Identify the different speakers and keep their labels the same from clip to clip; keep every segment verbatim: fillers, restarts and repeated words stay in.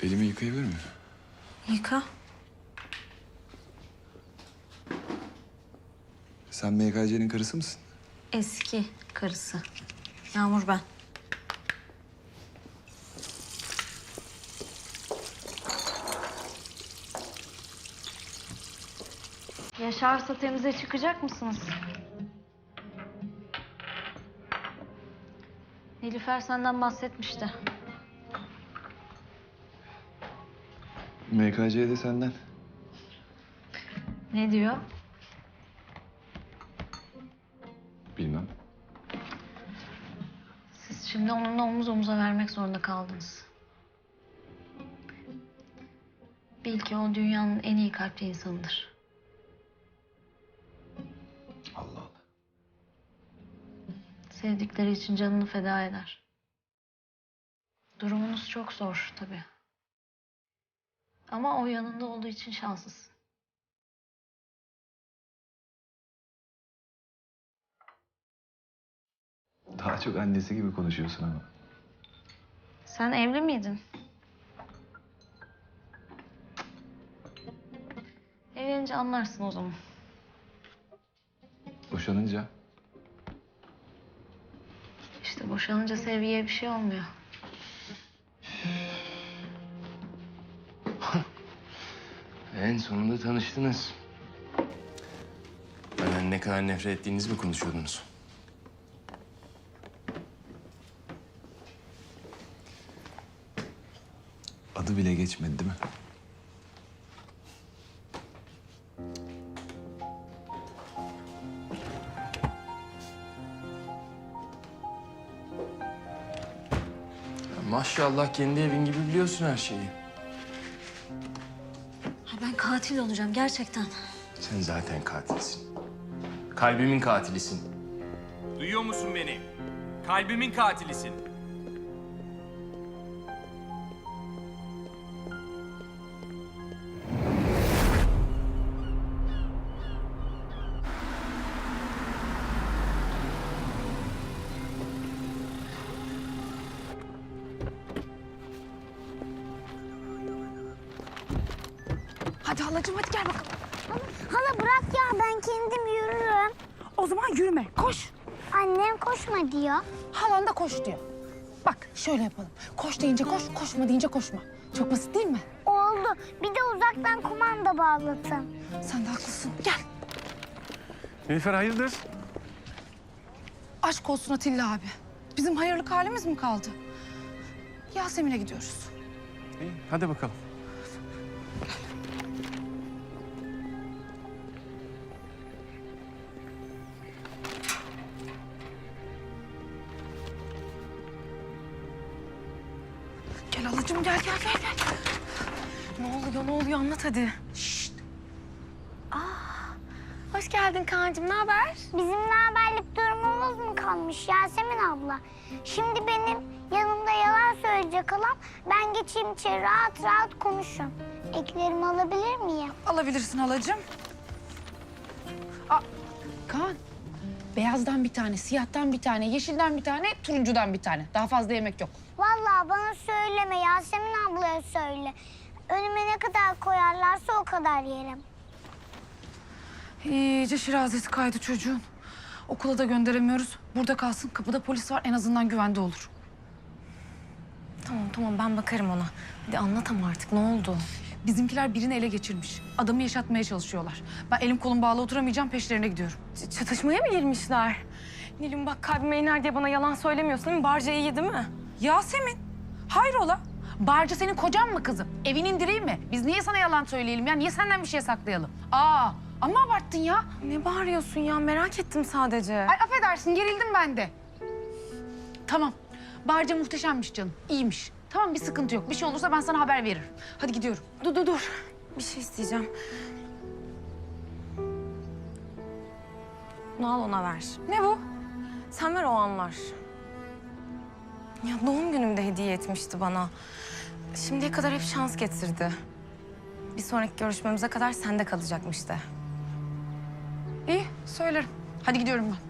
Speaker 1: Elimi yıkayabilir miyim?
Speaker 2: Yıka.
Speaker 1: Sen M K C'nin karısı mısın?
Speaker 2: Eski karısı. Yağmur ben. Yaşarsa temize çıkacak mısınız? Nilüfer senden bahsetmişti.
Speaker 1: M K C de senden.
Speaker 2: Ne diyor?
Speaker 1: Bilmem.
Speaker 2: Siz şimdi onunla omuz omuza vermek zorunda kaldınız. Bil ki o dünyanın en iyi kalpli insanıdır.
Speaker 1: Allah Allah.
Speaker 2: Sevdikleri için canını feda eder. Durumunuz çok zor tabii. Ama o yanında olduğu için şanslısın.
Speaker 1: Daha çok annesi gibi konuşuyorsun ama.
Speaker 2: Sen evli miydin? Evlenince anlarsın o zaman.
Speaker 1: Boşanınca
Speaker 2: İşte boşanınca sevgiye bir şey olmuyor.
Speaker 3: En sonunda tanıştınız. Benden ne kadar nefret ettiğinizi mi konuşuyordunuz?
Speaker 1: adı bile geçmedi değil mi?
Speaker 3: Ya maşallah kendi evin gibi biliyorsun her şeyi.
Speaker 2: Ha, ben katil olacağım gerçekten.
Speaker 3: Sen zaten katilsin. Kalbimin katilisin.
Speaker 4: Duyuyor musun beni? Kalbimin katilisin.
Speaker 5: Hadi halacığım hadi gel bakalım.
Speaker 6: Hala bırak ya, ben kendim yürürüm.
Speaker 5: O zaman yürüme, koş.
Speaker 6: Annem koşma diyor.
Speaker 5: Halan da koş diyor. Bak şöyle yapalım. Koş deyince koş, koşma deyince koşma. Çok basit değil mi?
Speaker 6: Oldu. Bir de uzaktan kumanda bağlatın.
Speaker 5: Sen de haklısın. Gel.
Speaker 3: Nilüfer hayırdır?
Speaker 5: Aşk olsun Atilla abi. Bizim hayırlık halimiz mi kaldı? Yasemin'e gidiyoruz.
Speaker 3: İyi, hadi bakalım.
Speaker 5: Gel halacığım gel gel gel gel. Ne oluyor ne oluyor anlat hadi.
Speaker 6: Hoş geldin Kaan'cığım, ne haber? Bizim ne haberlik durumumuz mu kalmış Yasemin abla? Şimdi benim yanımda yalan söyleyecek olan, ben geçeyim içeri rahat rahat konuşun. Eklerimi alabilir miyim?
Speaker 5: Alabilirsin halacığım. Aa, Kaan. Beyazdan bir tane, siyahtan bir tane, yeşilden bir tane, turuncudan bir tane. Daha fazla yemek yok.
Speaker 6: Vallahi bana söyleme, Yasemin ablaya söyle. Önüme ne kadar koyarlarsa o kadar yerim.
Speaker 5: İyice şirazesi kaydı çocuğun. Okula da gönderemiyoruz. Burada kalsın, kapıda polis var. En azından güvende olur.
Speaker 7: Tamam tamam ben bakarım ona. Hadi anlat ama artık ne oldu?
Speaker 5: Bizimkiler birini ele geçirmiş. Adamı yaşatmaya çalışıyorlar. Ben elim kolum bağlı oturamayacağım, peşlerine gidiyorum.
Speaker 7: Ç- çatışmaya mı girmişler? Nilüm bak kalbime iner diye bana yalan söylemiyorsun değil mi? Barca iyi değil mi?
Speaker 5: Yasemin, hayrola? Barca senin kocan mı kızım? Evinin direği mi? Biz niye sana yalan söyleyelim ya? Niye senden bir şey saklayalım? Aa, amma abarttın ya.
Speaker 7: Ne bağırıyorsun ya? Merak ettim sadece.
Speaker 5: Ay affedersin, gerildim ben de. Tamam, Barca muhteşemmiş canım, iyiymiş. Tamam, bir sıkıntı yok. Bir şey olursa ben sana haber veririm. Hadi gidiyorum.
Speaker 7: Dur dur dur. Bir şey isteyeceğim. Bunu al ona ver.
Speaker 5: Ne bu?
Speaker 7: Sen ver o anlar. Ya doğum günümde hediye etmişti bana. Şimdiye kadar hep şans getirdi. Bir sonraki görüşmemize kadar sende kalacakmış de.
Speaker 5: İyi, söylerim. Hadi gidiyorum ben.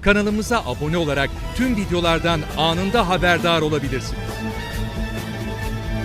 Speaker 8: Kanalımıza abone olarak tüm videolardan anında haberdar olabilirsiniz.